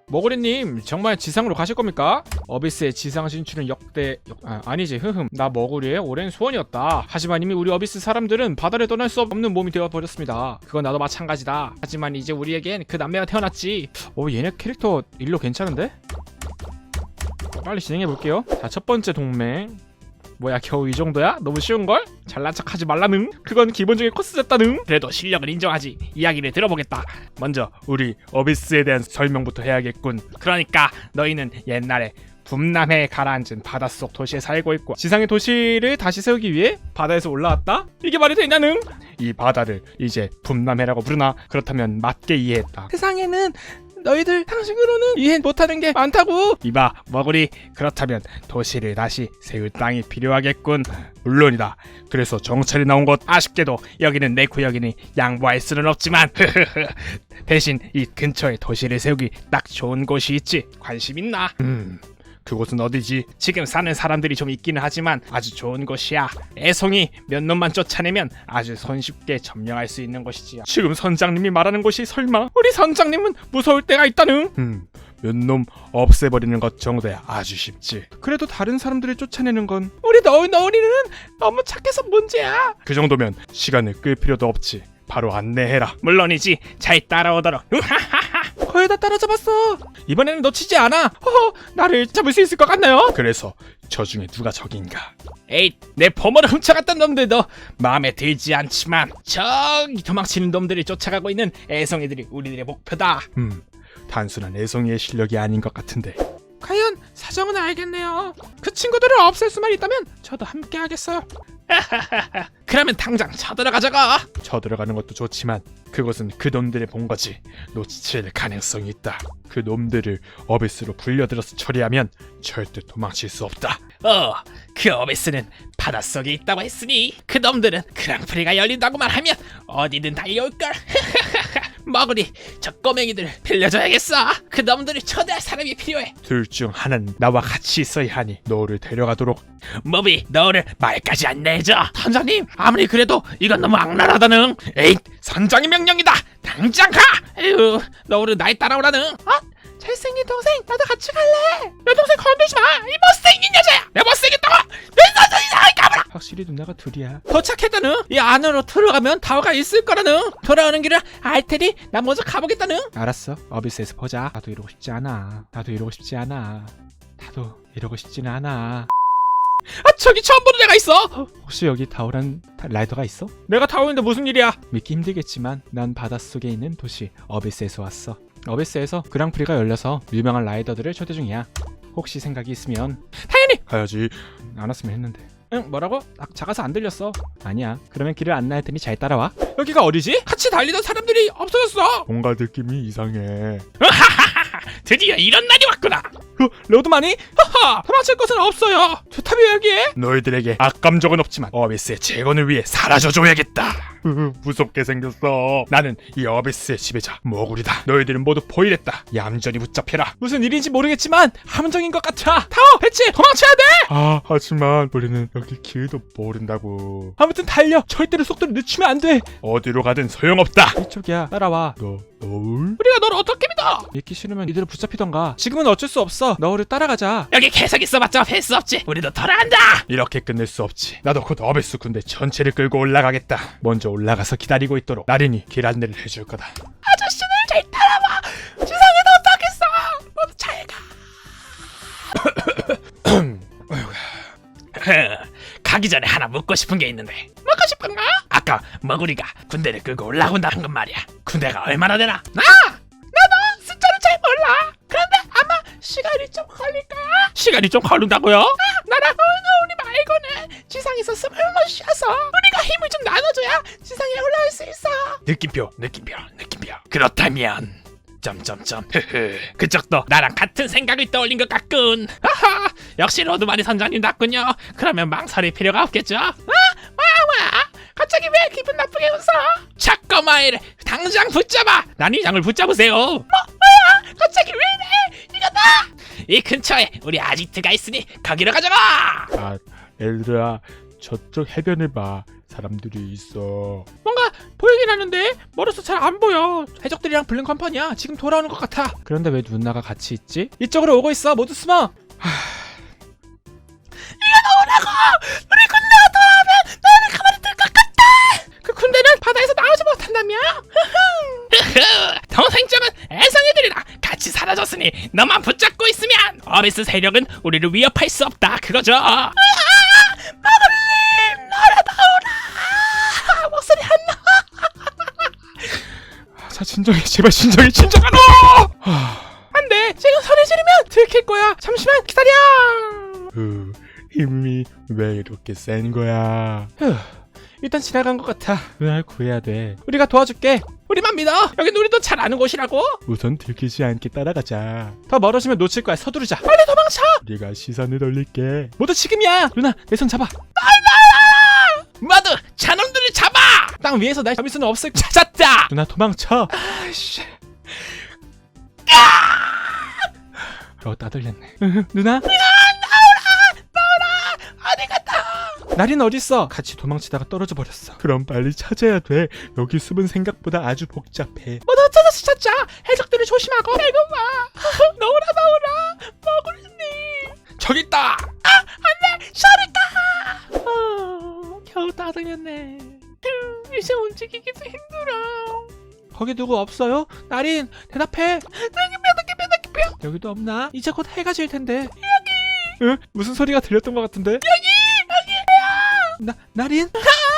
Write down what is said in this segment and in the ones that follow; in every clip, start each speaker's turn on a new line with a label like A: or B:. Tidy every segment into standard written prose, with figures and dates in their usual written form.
A: 머구리님 정말 지상으로 가실 겁니까? 어비스의 지상 진출은 아니지 흐흠 나 머구리의 오랜 소원이었다. 하지만 이미 우리 어비스 사람들은 바다를 떠날 수 없는 몸이 되어버렸습니다. 그건 나도 마찬가지다. 하지만 이제 우리에겐 그 남매가 태어났지. 얘네 캐릭터 일로 괜찮은데? 빨리 진행해볼게요. 자, 첫 번째 동맹. 뭐야 겨우 이 정도야? 너무 쉬운걸? 잘난 척하지 말라능. 그건 기본적인 코스였다능. 그래도 실력을 인정하지. 이야기를 들어보겠다. 먼저 우리 어비스에 대한 설명부터 해야겠군. 그러니까 너희는 옛날에 북남해에 가라앉은 바닷속 도시에 살고 있고 지상의 도시를 다시 세우기 위해 바다에서 올라왔다? 이게 말이 되냐능? 이 바다를 이제 북남해라고 부르나? 그렇다면 맞게 이해했다. 세상에는 너희들 상식으로는 이해 못하는 게 많다고. 이봐 머구리, 그렇다면 도시를 다시 세울 땅이 필요하겠군. 물론이다. 그래서 정찰이 나온 것. 아쉽게도 여기는 내 구역이니 양보할 수는 없지만 대신 이 근처에 도시를 세우기 딱 좋은 곳이 있지. 관심 있나? 그곳은 어디지? 지금 사는 사람들이 좀 있기는 하지만 아주 좋은 곳이야. 애송이 몇 놈만 쫓아내면 아주 손쉽게 점령할 수 있는 곳이지. 지금 선장님이 말하는 곳이 설마? 우리 선장님은 무서울 때가 있다는. 몇 놈 없애버리는 것 정도야 아주 쉽지. 그래도 다른 사람들을 쫓아내는 건 우리 너울이는 너무 착해서 문제야. 그 정도면 시간을 끌 필요도 없지. 바로 안내해라. 물론이지. 잘 따라오도록. 거의 다 따라잡았어. 이번에는 놓치지 않아. 나를 잡을 수 있을 것 같나요? 그래서 저 중에 누가 적인가? 에이, 내 보물을 훔쳐갔던 놈들도 마음에 들지 않지만 저기 도망치는 놈들을 쫓아가고 있는 애송이들이 우리들의 목표다. 단순한 애송이의 실력이 아닌 것 같은데. 과연 사정은 알겠네요. 그 친구들을 없앨 수만 있다면 저도 함께 하겠어요. 그러면 당장 쳐들어가자가. 쳐들어가는 것도 좋지만 그것은 그 놈들의 본거지. 놓칠 가능성이 있다. 그 놈들을 어비스로 불려들어서 처리하면 절대 도망칠 수 없다. 그 어비스는 바닷속에 있다고 했으니 그 놈들은 그랑프리가 열린다고만 하면 어디든 달려올걸. 머구리, 저 꼬맹이들 빌려줘야겠어. 그 놈들을 초대할 사람이 필요해. 둘 중 하나는 나와 같이 있어야 하니 너를 데려가도록. 모비, 너를 말까지 안 내줘. 선장님, 아무리 그래도 이건 너무 악랄하다는. 에잇, 선장의 명령이다. 당장 가. 에휴, 너를 날 따라오라는. 잘생긴 동생, 나도 같이 갈래. 내 동생 건들지 마. 이 못생긴 여자야. 내 못생겼다고. 내 선생 이상하게 까불어. 확실히 누나가 둘이야. 도착했다는. 이 안으로 들어가면 타워가 있을 거라는. 돌아오는 길을 알 테니 난 먼저 가보겠다는. 알았어. 어비스에서 보자. 나도 이러고 싶지 않아. 나도 이러고 싶지는 않아. 저기 처음 보는 애가 있어. 혹시 여기 타오란 라이더가 있어? 내가 타오인데 무슨 일이야? 믿기 힘들겠지만 난 바닷속에 있는 도시 어비스에서 왔어. 어비스에서 그랑프리가 열려서 유명한 라이더들을 초대 중이야. 혹시 생각이 있으면. 당연히 가야지. 안 왔으면 했는데. 응, 뭐라고? 작아서 안 들렸어. 아니야. 그러면 길을 안내할 테니 잘 따라와. 여기가 어디지? 같이 달리던 사람들이 없어졌어. 뭔가 느낌이 이상해. 드디어 이런 날이 왔구나. 로드마니? 하하, 도망칠 것은 없어요. 좋다며 여기에. 너희들에게 악감정은 없지만 어비스의 재건을 위해 사라져줘야겠다. 무섭게 생겼어. 나는 이 어비스의 지배자 머구리다. 너희들은 모두 포위됐다. 얌전히 붙잡혀라. 무슨 일인지 모르겠지만 함정인 것 같아. 타워, 배치, 도망쳐야 돼. 하지만 우리는 여기 길도 모른다고. 아무튼 달려. 절대로 속도를 늦추면 안 돼. 어디로 가든 소용없다. 이쪽이야. 따라와. 너울? 우리가 너를 어떻게 믿어? 믿기 싫으면 이대로 붙잡히던가. 지금은 어쩔 수 없어. 너울을 따라가자. 여기 계속 있어봤자 할 수 없지. 우리도 돌아간다. 이렇게 끝낼 수 없지. 나도 곧 어비스 군대 전체를 끌고 올라가겠다. 먼저 올라가서 기다리고 있도록 나린이 길 안내를 해줄 거다. 아저씨들 잘 따라와. 지상에 도착했어. 잘 가. 가기 전에 하나 묻고 싶은 게 있는데. 묻고 싶은가? 아까 머구리가 군대를 끌고 올라온다 한 건 말이야. 군대가 얼마나 되나? 나도 숫자를 잘 몰라. 그런데 아마 시간이 좀 걸릴 거야. 시간이 좀 걸린다고요? 나랑 우리 말고는 지상에서 숨을 못 쉬어서 우리가 힘을 좀 나눠줘야 지상에 올라올 수 있어. 느낌표. 그렇다면 점점점. 그쪽도 나랑 같은 생각을 떠올린 것 같군. 하하, 역시 로드마니 선장님답군요. 그러면 망설일 필요가 없겠죠? 뭐야? 갑자기 왜 기분 나쁘게 웃어? 자꾸마이를 당장 붙잡아. 난이장을 붙잡으세요. 뭐야? 갑자기 왜 이래? 이거다. 이 근처에 우리 아지트가 있으니 거기로 가자고. 얘들아, 저쪽 해변을 봐.
B: 사람들이 있어.
A: 뭔가 보이긴 하는데 멀어서 잘 안 보여. 해적들이랑 블랙컴퍼니야. 지금 돌아오는 것 같아. 그런데 왜 누나가 같이 있지? 이쪽으로 오고 있어. 모두 숨어. 이거 나오라고! 우리 군대가 돌아오면 너희는 가만히 둘 것 같아! 그 군대는 바다에서 나오지 못한다며?
C: 동생점은 애송이들이라 같이 사라졌으니 너만 붙잡고 있으면 어비스 세력은 우리를 위협할 수 없다 그거죠.
A: 마그님! 나라 나오라! 목소리 안 나! 자, 진정해. 제발 진정해. 진정하노! 안 돼! 지금 소리 지르면 들킬 거야. 잠시만 기다려!
B: 힘이 왜 이렇게 센 거야?
A: 일단 지나간 것 같아. 누나를 구해야 돼. 우리가 도와줄게. 우리만 믿어. 여긴 우리도 잘 아는 곳이라고.
B: 우선 들키지 않게 따라가자.
A: 더 멀어지면 놓칠 거야. 서두르자. 빨리 도망쳐.
B: 우리가 시선을 돌릴게.
A: 모두 지금이야. 누나 내 손 잡아.
C: 모두 자놈들을 잡아.
A: 땅 위에서 날 잡을 수는 없을. 찾았다. 누나 도망쳐. 아이씨. 따들렸네. 누나.
C: 어디 갔다.
A: 나린 어딨어? 같이 도망치다가 떨어져 버렸어.
B: 그럼 빨리 찾아야 돼. 여기 숲은 생각보다 아주 복잡해.
A: 모두 찾아서 찾자. 해적들을 조심하고. 아이고 마. 너무나 머글님. 저기 있다. 안돼. 샤리카. 겨우 따들렸네. 이제 움직이기도 힘들어. 거기 누구 없어요? 나린 대답해. 여기도 없나? 이제 곧 해가 질 텐데. 여기. 응? 무슨 소리가 들렸던 것 같은데? 여기야. 나린?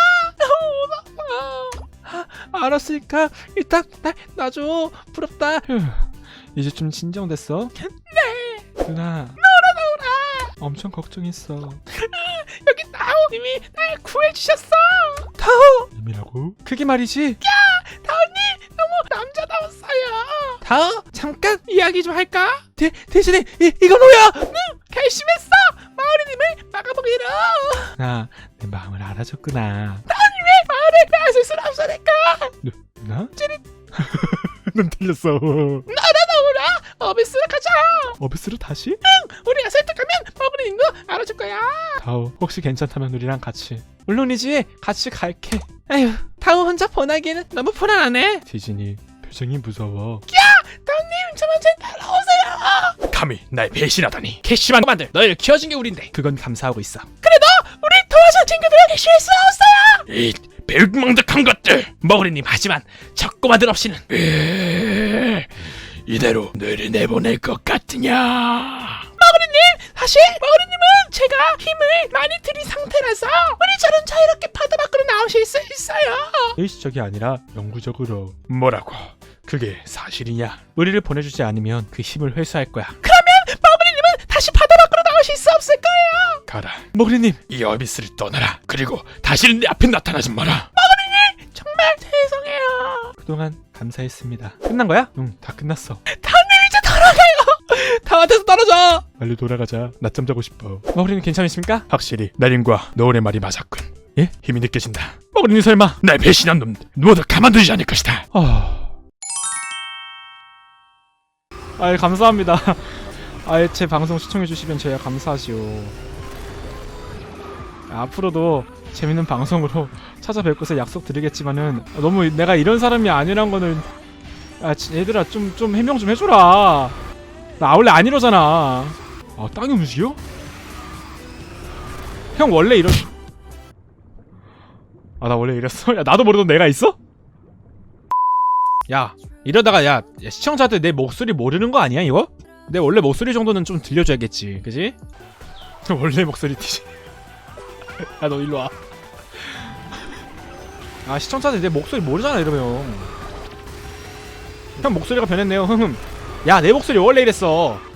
A: 알았으니까 일단 놔줘. 부럽다. 이제 좀 진정됐어? 네. 누나. 나오라. 엄청 걱정했어. 여기 타오님이 날 구해주셨어. 타오.
B: 님이라고?
A: 그게 말이지? 타오님 너무 남자다웠어요. 타오 잠깐 이야기 좀 할까? 대신에 이건 뭐야? 결심했어. 마을이님을 막아보기로. 나 내 마음을 알아줬구나. 타오님의 마을을 빼앗을 순 없으니까. 누나? 찌릿.
B: 넌 틀렸어.
A: 나오라. 어비스로 가자.
B: 어비스로 다시?
A: 우리가 설득하면 마을이님도 알아줄 거야.
B: 다오, 혹시 괜찮다면 우리랑 같이.
A: 물론이지. 같이 갈게. 아휴 타오 혼자 보내기에는 너무 불안하네.
B: 디즈니, 표정이 무서워.
A: 타오님 저만 좀 따라오세요.
C: 감히 날 배신하다니. 캐시만 만들 너희를 키워준 게 우린데.
A: 그건 감사하고 있어.
C: 우리 도와준 친구들에게 실수 없어요. 이 배은망덕한 것들. 머그리님 하지만 적고마들 없이는 이대로 너희를 내보낼 것 같으냐.
A: 사실 머그리님은 제가 힘을 많이 들인 상태라서 우리처럼 자유롭게 바다 밖으로 나오실 수 있어요.
B: 일시적이 아니라 영구적으로.
C: 뭐라고? 그게 사실이냐?
A: 우리를 보내주지 않으면 그 힘을 회수할 거야.
C: 머그리님은
A: 다시 바다 밖으로 나오실 수 없을 거예요.
C: 가라.
A: 머그리님
C: 이 어비스를 떠나라. 그리고 다시는 내 앞에 나타나지 마라.
A: 정말 죄송해요. 그동안 감사했습니다. 끝난 거야? 응, 다 끝났어.
C: 타오님 이제 돌아가요.
A: 타워에서 떨어져.
B: 빨리 돌아가자. 낮잠 자고 싶어.
A: 머그리님 괜찮으십니까?
C: 확실히 나린과 너울의 말이 맞았군.
A: 예?
C: 힘이 느껴진다.
A: 머그리님 설마?
C: 날 배신한 놈 모두 가만두지 않을 것이다.
A: 아이 감사합니다. 아예 제 방송 시청해주시면 제가 감사하지요. 앞으로도 재밌는 방송으로 찾아뵐 것을 약속드리겠지만은 너무 내가 이런 사람이 아니란 거는 얘들아 좀 해명 좀 해줘라. 나 원래 안 이러잖아. 땅이 움직여? 형 원래 이런. 나 원래 이랬어? 야 나도 모르던 내가 있어? 야 이러다가 야 시청자들 내 목소리 모르는 거 아니야 이거? 내 원래 목소리 정도는 좀 들려줘야겠지, 그지? 원래 목소리지. 야 너 일로 와. 시청자들 내 목소리 모르잖아 이러면. 형 목소리가 변했네요. 야 내 목소리 원래 이랬어.